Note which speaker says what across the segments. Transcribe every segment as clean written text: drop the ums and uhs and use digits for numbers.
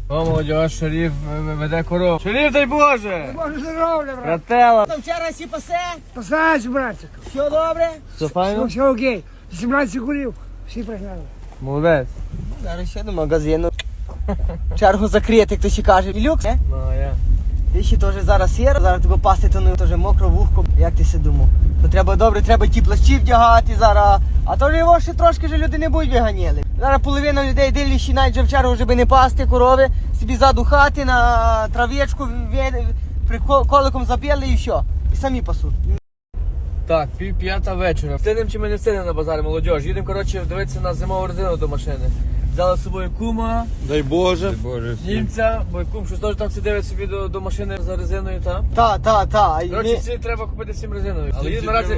Speaker 1: О, молодь, шериф веде корову. Шериф, дай Боже!
Speaker 2: Боже здоров'я, брат.
Speaker 1: Братела!
Speaker 3: Там вчора сі пасе,
Speaker 2: Посадь, братчик.
Speaker 3: все добре?
Speaker 1: Все файно?
Speaker 2: Все окей. 17 курів. Всі пригнали.
Speaker 1: Молодець.
Speaker 3: Зараз ще до магазину. Чергу закрити, хто ще каже. І люкс, не?
Speaker 1: Ну, а я.
Speaker 3: Ти ще теж зараз сіро, зараз тебе пасти, то не теж мокро вухко. Як ти си думав? То треба добре, треба ті плащі вдягати зараз. А то ж його ще трошки ж люди не будуть виганіли. Зараз половина людей дивлячи навіть вже в чергу, щоб не пасти корови, собі ззаду хати на трав'ячку коликом забили і все. І самі пасуть.
Speaker 1: Так, 5:30 вечора. Встигнем чи ми не встигнемо на базарі, молодь? Їдемо, коротше, дивитися на зимову резину до машини. Взяли з собою кума,
Speaker 4: Дай Боже.
Speaker 1: німця, бо кум щось теж там сидить собі до машини за резиною, та?
Speaker 3: Та.
Speaker 1: Коротше, всі треба купити всім резиною. Але їдемо наразі...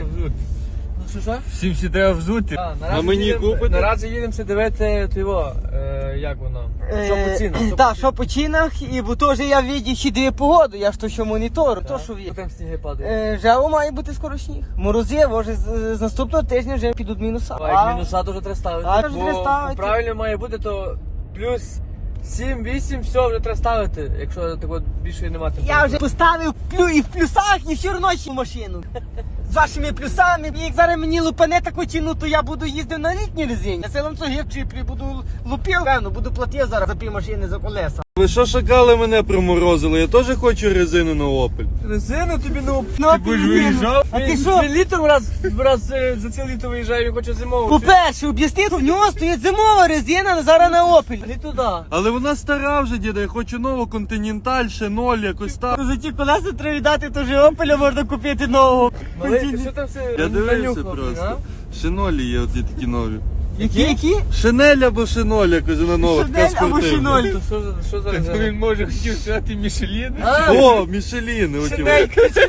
Speaker 1: Що?
Speaker 4: Всім всі треба взути. А мені купити?
Speaker 1: Наразі їдемося дивити його, як воно, що по цінах.
Speaker 3: Так, що по цінах, і бо теж я віді ще дає погоду, я ж то що монітору, то що
Speaker 1: Що
Speaker 3: є.
Speaker 1: там сніги падає?
Speaker 3: Вже має бути скоро сніг. Морози, може з наступного тижня вже підуть мінуса.
Speaker 1: А як мінуса, то вже треба ставити.
Speaker 3: А, вже треба ставити.
Speaker 1: Правильно має бути, то плюс 7-8, все, вже треба ставити, якщо такого більше немає.
Speaker 3: Я вже поставив і в плюсах, і все одно ще машину. З вашими плюсами. І як зараз мені лупане таку ціну, то я буду їздити на літній резині. Я селом цього в чіплі буду лупив, певно, буду платити зараз за півмашини, за колеса.
Speaker 4: Ви що шакали мене приморозили? Я теж хочу резину на Opel.
Speaker 1: Резину тобі
Speaker 3: Ну,
Speaker 4: будеш виїжджав?
Speaker 3: А ти що?
Speaker 1: Він літом раз за ціле літо виїжджає, він хоче зимову.
Speaker 3: По-перше, об'ясни, в нього стоїть зимова резина, але зараз на Opel.
Speaker 1: Не туди.
Speaker 4: Але вона стара вже, діда, я хочу нову Continental, ще 0, якось так.
Speaker 3: За ті колеса треба віддати, то вже Opel можна купити нового.
Speaker 1: Малий, ти що там все
Speaker 4: Я дивився
Speaker 1: нанюхав,
Speaker 4: просто.
Speaker 1: а?
Speaker 4: Шинолі є, от є такі нові.
Speaker 3: Які?
Speaker 4: Шинель або шиноль, якось вона нова, така
Speaker 3: Шинель або
Speaker 4: спортивна.
Speaker 3: шиноль.
Speaker 1: То що за резина?
Speaker 4: може хотів сказати Мішелін.
Speaker 1: А,
Speaker 4: О, Мішеліни, оті.
Speaker 3: Шинель.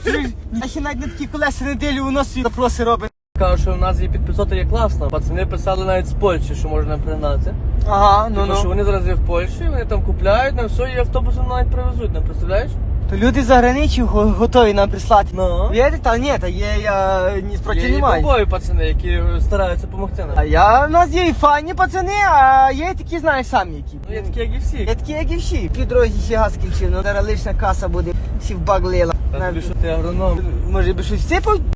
Speaker 3: Я ще навіть на такі колеса неділю у нас запроси робить.
Speaker 1: Кажу, що в нас є підписота є класна. Пацани писали навіть з Польщі, що можна пригнати.
Speaker 3: Ага,
Speaker 1: Тому що вони зараз є в Польщі, вони там купляють, нам все, і автобусом навіть привезуть, не представляєш?
Speaker 3: То люди за границю готові нам прислати.
Speaker 1: Ну.
Speaker 3: Вірите? Та ні, та є, я ні спроти
Speaker 1: Є
Speaker 3: не
Speaker 1: і
Speaker 3: маю.
Speaker 1: бобові пацани, які стараються допомогти
Speaker 3: А
Speaker 1: нам.
Speaker 3: у нас є і файні пацани, а є і такі, знаєш, самі які.
Speaker 1: Ну, є такі, як і всі.
Speaker 3: Є такі, як і всі. Під дорозі ще газ кінчив, ну зараз лишня каса буде, всі в баг лила.
Speaker 1: Та тобі що ти агроном.
Speaker 3: Може би щось всипав?